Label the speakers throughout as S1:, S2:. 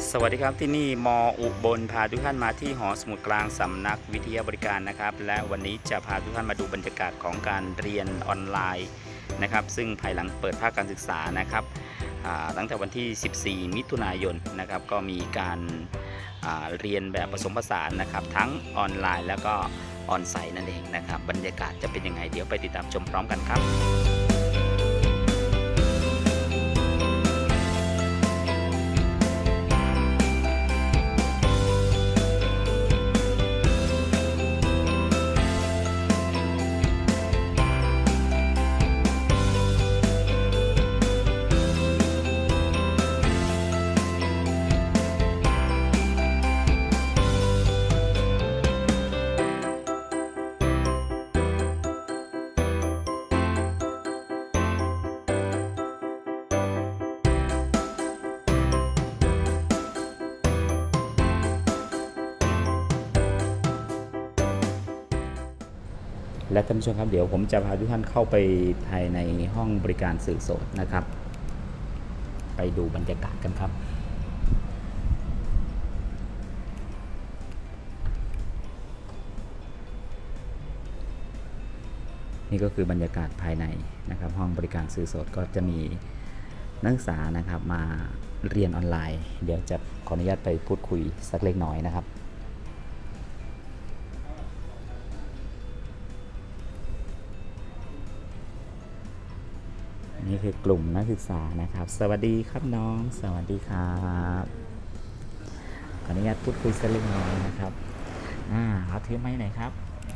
S1: สวัสดีครับที่นี่มอุบลพาทุกท่านมาที่หอสมุดกลางสำนักวิทยาบริการนะครับและวันนี้จะพาทุกท่านมาดูบรรยากาศของการเรียนออนไลน์นะครับซึ่งภายหลังเปิดภาคการศึกษานะครับตั้งแต่วันที่ 14 มิถุนายนนะครับก็มีการเรียนแบบผสมผสานนะครับทั้งออนไลน์แล้วก็ออนไซต์นั่นเองนะครับบรรยากาศจะเป็นยังไงเดี๋ยวไปติดตามชมพร้อมกันครับและท่านผู้ชมครับเดี๋ยวผมจะพาทุกท่านเข้าไปภายในห้องบริการสื่อสดนะครับไปดูบรรยากาศกันครับนี่ก็คือบรรยากาศภายในนะครับห้องบริการสื่อสดก็จะมีนักศึกษานะครับมาเรียนออนไลน์เดี๋ยวจะขออนุญาตไปพูดคุยสักเล็กน้อยนะครับนี่คือกลุ่มนักศึกษานะครับสวัสดีครับน้องสวัสดีครับขออนุญาตพูดคุยสักเล็กน้อยนะครับเขาถือไม้ไหนครับ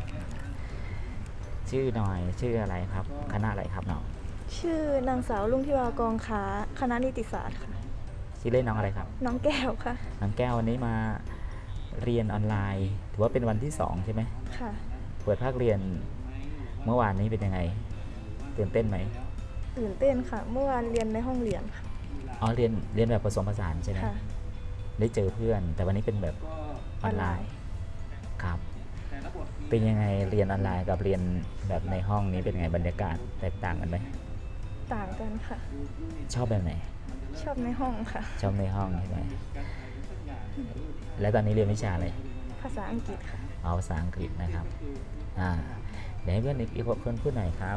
S1: ชื่อหน่อยชื่ออะไรครับคณะอะไรครับน้อง
S2: ชื่อนางสาวลุงทิวากองค้าคณะนิติศาสตร์ค่ะ
S1: ชื่อเล่นน้องอะไรครับ
S2: น้องแก้วค่ะ
S1: น้องแก้ววันนี้มาเรียนออนไลน์ถือว่าเป็นวันที่2ใช่ไหม
S2: ค่ะ
S1: เปิดภาคเรียนเมื่อวานนี้เป็นยังไงตื่นเต้นไหม
S2: ตื่นเต้นค่ะเมื่อวานเรียนในห้องเรียนค่ะ
S1: อ๋อเรียนแบบผสมผสานใช่ไหม
S2: ค่ะ
S1: ได้เจอเพื่อนแต่วันนี้เป็นแบบออนไลน์ครับเป็นยังไงเรียนออนไลน์กับเรียนแบบในห้องนี้เป็นไงบรรยากาศแตกต่างกันไหม
S2: ต่างกันค่ะ
S1: ชอบแบบไหน
S2: ชอบในห้องค่ะ
S1: ชอบในห้องใช่ไหมแล้วตอนนี้เรียนวิชาอะไร
S2: ภาษาอังกฤษค่ะ
S1: ภาษาอังกฤษนะครับเดี๋ยวให้เพื่อนอีกคนพูดหน่อยครับ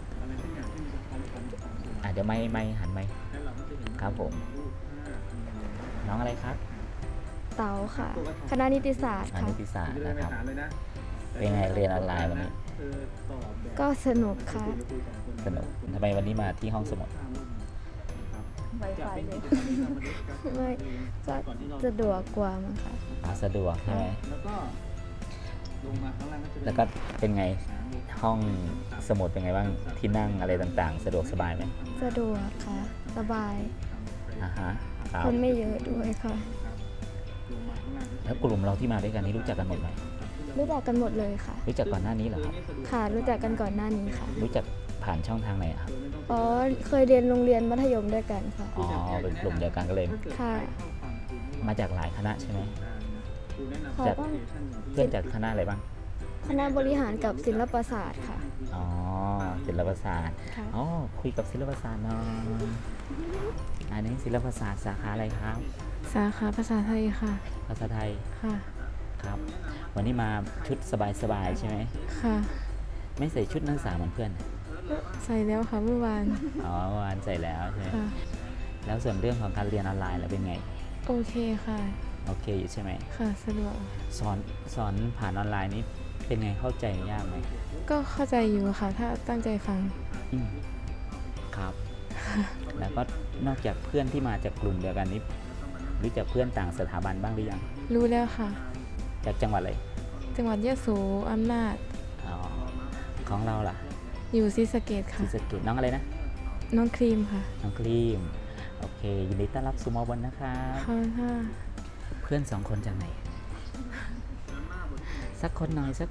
S1: เดี๋ยวไม่หันไหมครับผมน้องอะไรครับ
S2: เต๋าค่ะคณะนิติศาสตร์ค่ะ
S1: นิติศาสตร์นะครับเป็นไงเรียนออนไลน์วันนี้
S2: ก็สนุกค่ะ
S1: สนุกทำไมวันนี้มาที่ห้องสมุด
S2: ไวไฟเลยไม่ก็สะดวกกว่ามั้งค่ะ
S1: สะดวกใช่ไหมแล้วก็เป็นไงห้องสมุดเป็นไงบ้างที่นั่งอะไรต่างๆสะดวกสบายไหม
S2: สะดวกค่ะสบาย
S1: คน
S2: ไม่เยอะด้วยค่ะ
S1: แล้วกลุ่มเราที่มาด้วยกันนี่รู้จักกันหมดไหม
S2: รู้จักกันหมดเลยค่ะ
S1: รู้จักก่อนหน้านี้เหรอครับ
S2: ค่ะรู้จักกันก่อนหน้านี้ค่ะ
S1: รู้จักผ่านช่องทางไหนครับ
S2: เคยเรียนโรงเรียนมัธยมด้วยกันค่ะ
S1: เป็นกลุ่มเดียวกันก็เลย
S2: ค่ะ
S1: มาจากหลายคณะใช่ไหมจากเพื่อนจากคณะอะไรบ้าง
S2: คณะบริหารกับศิลปศาสตร์ค่ะ
S1: ศิลปศาสตร์คุยกับศิลปศาสตร์น้องอันนี้ศิลปศาสตร์สาขาอะไรครับ
S2: สาขาภาษาไทยค่ะ
S1: ภาษาไทย
S2: ค่ะ
S1: ครับวันนี้มาชุดสบายๆใช่ไหม
S2: ค่ะ
S1: ไม่ใส่ชุดนักศึกษาเหมือนเพื่อน
S2: ใส่แล้วค่ะเมื่อวาน
S1: เมื่อวานใส่แล้วใช่ไหมแล้วส่วนเรื่องของการเรียนออนไลน์แล้วเป็นไง
S2: โอเคค่ะ
S1: โอเคอยู่ใช่ไหม
S2: ค่ะสะดวก
S1: สอนผ่านออนไลน์นี้เป็นไงเข้าใจยากไหม
S2: ก็เข้าใจอยู่ค่ะถ้าตั้งใจฟัง
S1: ครับแล้วก็นอกจากเพื่อนที่มาจากกลุ่มเดียวกันนี้รู้จักเพื่อนต่างสถาบันบ้างหรือยัง
S2: รู้แล้วค่ะ
S1: จากจังหวัดอะไร
S2: จังหวัดยะโสอำนาจ
S1: ของเราล่ะ
S2: อยู่ศรีสะเกษค่ะ
S1: ศรีสะเกษน้องอะไรนะ
S2: น้องครีมค่ะ
S1: น้องครีมโอเคยินดีต้อนรับสู่มอบนนะครับ
S2: ค่ะ
S1: เพื่อน2 คนจากไหนสักคนหน่อยไหน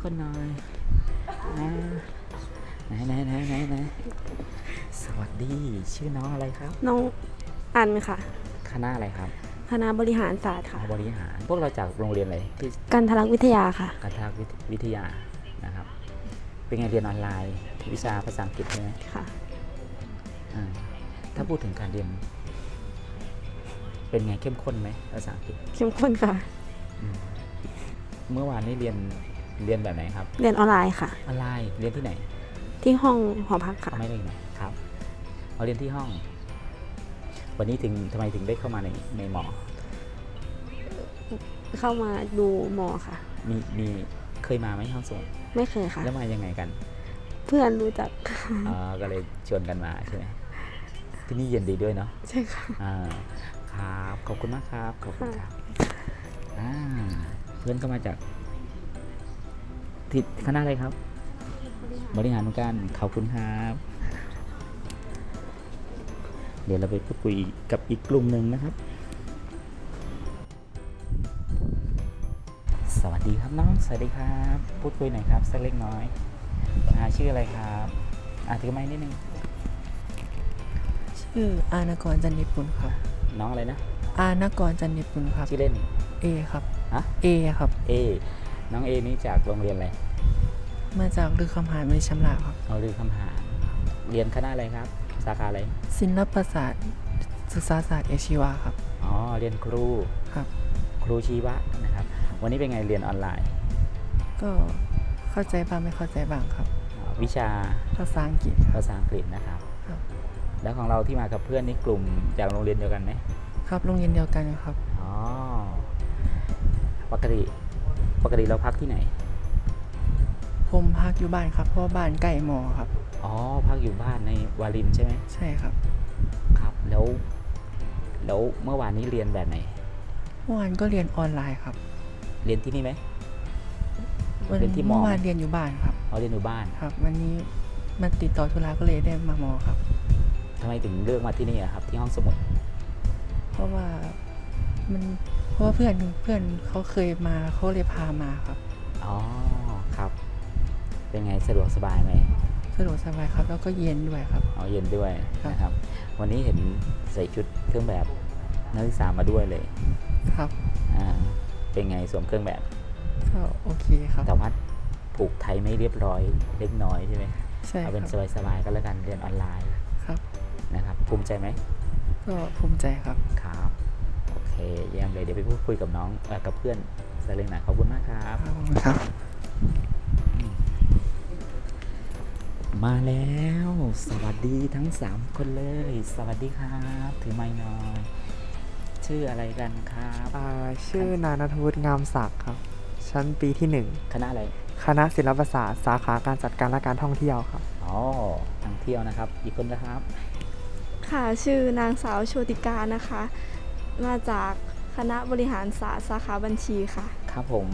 S1: สวัสดีชื่อน้องอะไรครับ
S2: น้องอันค่ะ
S1: คณะอะไรครับ
S2: คณะบริหารศาสตร์ค่ะ
S1: บริหารพวกเราจากโรงเรียนอะไรที่
S2: กันทลักษณ์วิทยาค่ะ
S1: กันทลักษณ์วิทยานะครับเป็นไงเรียนออนไลน์วิชาภาษาอังกฤษใช่ไหม
S2: ค่ะ
S1: ถ้าพูดถึงการเรียนเป็นไงเข้มข้นไหมภาษาอังกฤษ
S2: เข้มข้นค่ะ
S1: เมื่อวานนี้เรียนแบบไหนครับ
S2: เรียนออนไลน์ค่ะ
S1: ออนไลน์เรียนที่ไหน
S2: ที่ห้องหอพักค่ะ
S1: ไม่ได้ไหนครับเอาเรียนที่ห้อง วันนี้ทำไมถึงได้เข้ามาในหมอ
S2: เข้ามาดูหมอค่ะ
S1: มีเคยมาไหมห้องสมุด
S2: ไม่เคยค่ะ
S1: แล้วมายังไงกัน
S2: เพื่อนรู้จัก
S1: ก็เลยชวนกันมาใช่ไหมที่นี่เย็นดีด้วยเนาะ
S2: ใช่ค่ะ
S1: ครับขอบคุณมากครับขอบคุณครับเพื่อนก็มาจากที่คณะอะไรครับ บริหารเหมือนกันขอบคุณครับ เดี๋ยวเราไปพูดคุยกับอีกกลุ่มหนึ่งนะครับ สวัสดีครับน้องสวัสดีครับพูดคุยหน่อยครับสักเล็กน้อยชื่ออะไรครับถือไม้นิดนึง
S3: ชื่ออานกรจันทิปุลครับ
S1: น้องอะไรนะ
S3: อานกรจันทิปุลครับ
S1: ชื่อเล่น
S3: เอครับ
S1: ฮะ
S3: เอครับ
S1: น้องเอนี่จากโรงเรียนอะไร
S3: มาจากลือคำหารบริชำราบครับ
S1: เอาลือคำหารเรียนคณะอะไรครับ สาขาอะไร
S3: ศิลปศาสตร์ศึกษาศาสตร์เอชีวาครับ
S1: เรียนครู
S3: ครับ
S1: ครูชีวะนะครับ วันนี้เป็นไงเรียนออนไลน์
S3: ก็เข้าใจบ้างไม่เข้าใจบ้างครับ
S1: วิชา
S3: ภาษาอังกฤษครับ
S1: ภาษาอังกฤษนะครับ
S3: ครับ
S1: แล้วของเราที่มากับเพื่อนนี่กลุ่มจากโรงเรียนเดียวกันไหม
S3: ครับโรงเรียนเดียวกันครับ
S1: ปกติเราพักที่ไหน
S3: ผมพักอยู่บ้านครับ เพราะว่าบ้านใกล้มอครับ
S1: พักอยู่บ้านในวารินใช่ไหม
S3: ใช่ครับ
S1: ครับ แล้วเมื่อวานนี้เรียนแบบไหน
S3: เมื่อวานก็เรียนออนไลน์ครับ
S1: เรียนที่นี่ไหม
S3: วัน
S1: เรียนที่มอ
S3: เมื่อวานเรียนอยู่บ้านครับ
S1: เรียนอยู่บ้าน
S3: ครับ วันนี้มาติดต่อธุระก็เลยได้มามอครับ
S1: ทำไมถึงเลือกมาที่นี่อะครับ ที่ห้องสมุด
S3: เพราะว่าเพื่อนเขาเคยมาเขาเลยพามาครับ
S1: ครับ เป็นไงสะดวกสบายไหม
S3: สะดวกสบายครับ แล้วก็เย็นด้วยครับ
S1: เย็นด้วย
S3: ครับ
S1: นะครับ วันนี้เห็นใส่ชุดเครื่องแบบนักศึกษามาด้วยเลย
S3: ครับ
S1: เป็นไงสวมเครื่องแบบ
S3: ก็โอเคครับ
S1: แต่ว่าผูกไทยไม่เรียบร้อยเล็กน้อยใช่ไหม
S3: ใช่ค
S1: เอา
S3: รับ
S1: เป็นสบายๆก็แล้วกันเรียนออนไลน์
S3: ครับ
S1: นะครับ ภูมิใจไหม
S3: ก็ภูมิใจครับ
S1: ครับโอเคเยี่ยมเลยเดี๋ยวไปพูดคุยกับน้องกับเพื่อนสักเล็กน้อยขอบคุณมากครับ
S3: ขอบคุณครับ
S1: มาแล้ว สวัสดีทั้ง3คนเลย สวัสดีครับถือไมค์หน่อยชื่ออะไรกันครับ
S4: ชื่อนานัทวุฒิงามศักดิ์ครับ ชั้นปีที่
S1: คณะอะไร
S4: 1 คณะศิลปศาสตร์สาขาการจัดการและการท่องเที่ยวครับ
S1: ท่องเที่ยวนะครับ อีกคนนะครับ
S2: ค่ะชื่อนางสาวโชติกานะคะ มาจากคณะบริหารศาสตร์สาขาบัญชีค่ะ
S1: ครับผม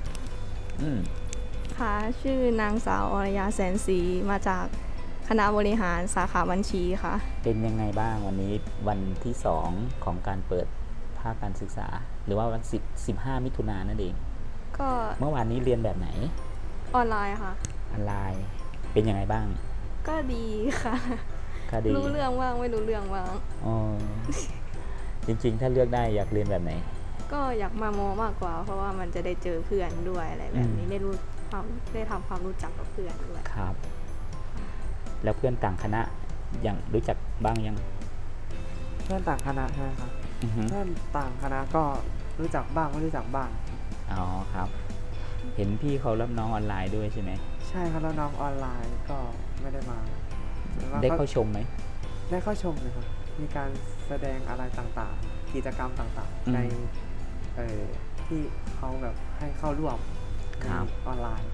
S2: ค่ะชื่อนางสาวอรยาแสนศรีมาจากคณะบริหารสาขาบัญชีค่ะ
S1: เป็นยังไงบ้างวันนี้วันที่2ของการเปิดภาคการศึกษา หรือว่าวัน15 มิถุนายนนั่นเอง
S2: ก็
S1: เมื่อวานนี้เรียนแบบไหน
S2: ออนไลน์ค่ะ
S1: ออนไลน์เป็นยังไงบ้าง
S2: ก็ดีค่ะ
S1: ก็ดี
S2: รู้เรื่องบ้างไม่รู้เรื่องบ้าง
S1: จริงๆ ถ้าเลือกได้อยากเรียนแบบไหน
S2: ก็อยากมามอมากกว่า เพราะว่ามันจะได้เจอเพื่อนด้วยอะไรแบบนี้ได้ทำความรู้จักกับเพื่อนด้วย
S1: ครับ แล้วเพื่อนต่างคณะยังรู้จักบ้างยัง
S4: เพื่อนต่างคณะใช่ไหมครับ
S1: อือฮึ
S4: เพื่อนต่างคณะก็รู้จักบ้างไม่รู้จักบ้าง
S1: ครับ เห็นพี่เขารับน้องออนไลน์ด้วยใช่ไหม
S4: ใช่ครับแล้วน้องออนไลน์ก็ไม่ได้มาแต่ว่า
S1: ได้
S4: ก็
S1: เข้าชมไหม
S4: ได้เข้าชมเลยครับ มีการแสดงอะไรต่างๆ กิจกรรมต่าง
S1: อืม
S4: ๆ ในที่เขาแบบให้เข้าร่วมใน
S1: ครับ
S4: ออนไลน์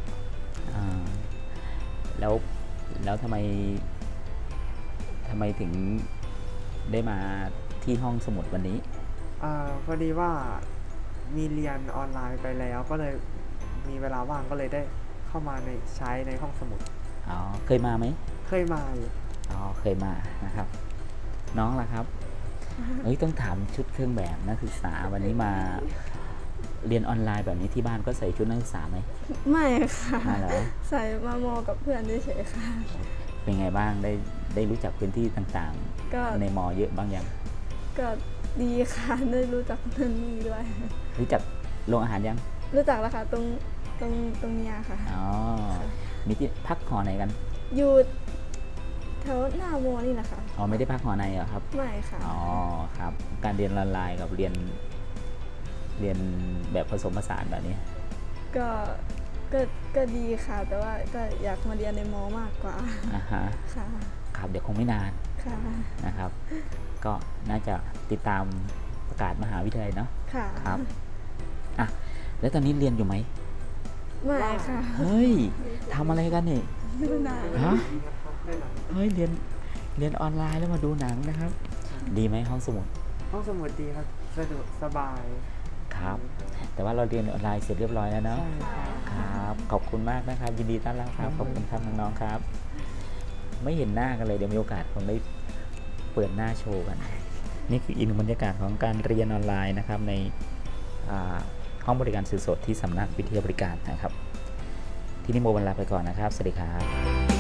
S1: แล้วทำไมถึงได้มาที่ห้องสมุดวันนี้
S4: พอดีว่ามีเรียนออนไลน์ไปแล้วก็เลยมีเวลาว่างก็เลยได้เข้ามาใช้ในห้องสมุด
S1: เคยมาไหม
S4: เคยมาอยู่
S1: เคยมานะครับ น้องล่ะครับ ต้องถามชุดเครื่องแบบนักศึกษาวันนี้มาเรียนออนไลน์แบบนี้ที่บ้านก็ใส่ชุดนักศึกษาไหม
S2: ไม่ค่ะ
S1: มาเหรอ
S2: ใส่มามอกับเพื่อนเฉยๆค่ะ
S1: เป็นไงบ้างได้รู้จักพื้นที่ต่าง
S2: ก็
S1: ๆ ในมอเยอะบ้างยัง
S2: ก็ดีค่ะ ได้รู้จักนั่นนี่ด้วย
S1: รู้จักโรงอาหารยัง
S2: รู้จักแล้วค่ะตรงเนี้ยค่ะ
S1: มีที่พักหอไหนกัน
S2: อยู่แถวหน้าโมนี่แหละค่ะ
S1: อ๋อไม่ได้พักหอในเหรอครับ
S2: ไม่ค่ะ
S1: อ๋อครับ การเรียนออนไลน์กับเรียนแบบผสมผสานแบบนี้
S2: ก็ก็ดีค่ะ แต่ว่าก็อยากมาเรียนในมอมากกว่า
S1: อ่าฮะ
S2: ค่ะ
S1: ครับเดี๋ยวคงไม่นาน
S2: ค่ะ
S1: นะครับ ก็น่าจะติดตามประกาศมหาวิทยาลัยเนาะ
S2: ค่ะ
S1: ครับอ่ะแล้วตอนนี้เรียนอยู่ไหม
S2: ไม่ค่ะ
S1: เฮ้ยทำอะไรกันนี่
S2: ดูหนัง
S1: ฮะ
S4: ได้หนัง
S1: เฮ้ยเรียนออนไลน์แล้วมาดูหนังนะครับ ดีไหมห้องสมุด
S4: ห้องสมุดดีครับสะดวกสบาย
S1: ครับ แต่ว่าเราเรียนออนไลน์เสร็จเรียบร้อยแล้วเนาะ
S4: ใช่ครับ
S1: ครับ ขอบคุณมากนะครับ ยินดีต้อนรับครับ ขอบคุณครับน้องๆครับ ไม่เห็นหน้ากันเลยเดี๋ยวมีโอกาสคงได้เปิดหน้าโชว์กัน นี่คืออีกหนึ่งบรรยากาศของการเรียนออนไลน์นะครับในห้องบริการสื่อสดที่สำนักวิทยาบริการนะครับ ที่นี่โมบันลาไปก่อนนะครับ สวัสดีครับ